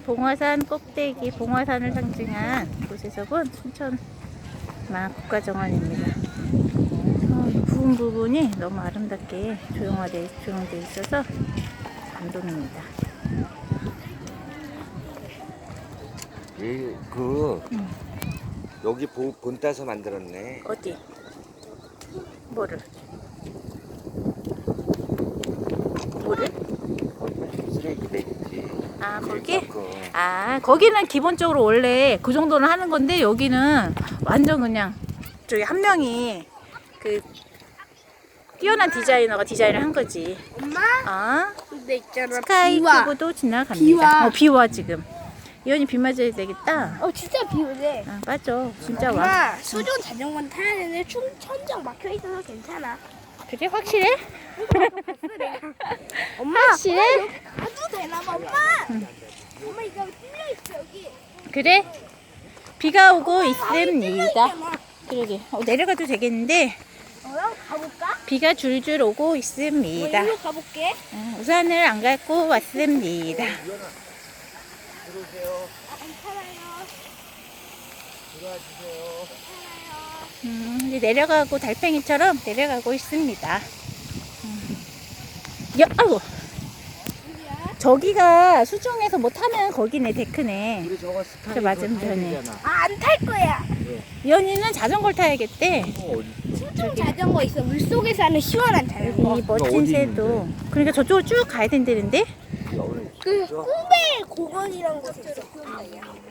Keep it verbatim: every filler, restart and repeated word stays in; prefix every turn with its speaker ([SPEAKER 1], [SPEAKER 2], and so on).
[SPEAKER 1] 봉화산 꼭대기, 봉화산을 상징한 곳에서 본 순천만 국가정원입니다. 어, 이 부분 부분이 너무 아름답게 조형화돼, 조형돼 있어서 감동입니다.
[SPEAKER 2] 이, 그,
[SPEAKER 1] 응.
[SPEAKER 2] 여기 보, 본 따서 만들었네.
[SPEAKER 1] 어디? 뭐를? 뭐를?
[SPEAKER 2] 쓰레기 내지.
[SPEAKER 1] 아, 거기?
[SPEAKER 2] 그,
[SPEAKER 1] 아, 거기는 기본적으로 원래 그 정도는 하는 건데, 여기는 완전 그냥, 저기 한 명이 그, 뛰어난 디자이너가 디자인을 한 거지.
[SPEAKER 3] 엄마?
[SPEAKER 1] 아,
[SPEAKER 3] 근데 있잖아.
[SPEAKER 1] 스카이큐브도 지나갑니다.
[SPEAKER 3] 비와.
[SPEAKER 1] 어, 비와 지금. 이현이 비 맞아야 되겠다.
[SPEAKER 3] 어 진짜 비 오네.
[SPEAKER 1] 아, 맞아. 진짜 와.
[SPEAKER 3] 엄마 수중 자전거 타야 되는데 춘 천장 막혀 있어서 괜찮아.
[SPEAKER 1] 그래, 확실해?
[SPEAKER 3] 엄마.
[SPEAKER 1] 확실해?
[SPEAKER 3] 가도 되나 봐 엄마. 엄마 이거 뚫려 있어 여기.
[SPEAKER 1] 그래? 비가 오고
[SPEAKER 3] 뚫려
[SPEAKER 1] 있습니다.
[SPEAKER 3] 있잖아.
[SPEAKER 1] 그러게. 어, 내려가도 되겠는데,
[SPEAKER 3] 어 가볼까?
[SPEAKER 1] 비가 줄줄 오고 있습니다.
[SPEAKER 3] 어, 이리로 가볼게.
[SPEAKER 1] 어, 우산을 안 갖고 왔습니다.
[SPEAKER 2] 들어오세요.
[SPEAKER 3] 아, 괜찮아요.
[SPEAKER 2] 들어와 주세요.
[SPEAKER 1] 음, 이제 내려가고 달팽이처럼 내려가고 있습니다. 음. 야, 아이고. 저기가 수중에서 뭐 타면 거기네, 데크네.
[SPEAKER 2] 우리 저거 스카이
[SPEAKER 1] 저 맞은편에.
[SPEAKER 3] 아 안 탈 거야.
[SPEAKER 1] 이현이는 자전거를 타야겠대.
[SPEAKER 3] 수중 자전거 있어. 물 속에서 하는 시원한 자전거.
[SPEAKER 1] 이 멋진
[SPEAKER 2] 어디
[SPEAKER 1] 새도. 그러니까 저쪽으로 쭉 가야 된다는데?
[SPEAKER 3] 그 꿈의 공원이라는 곳이 있어.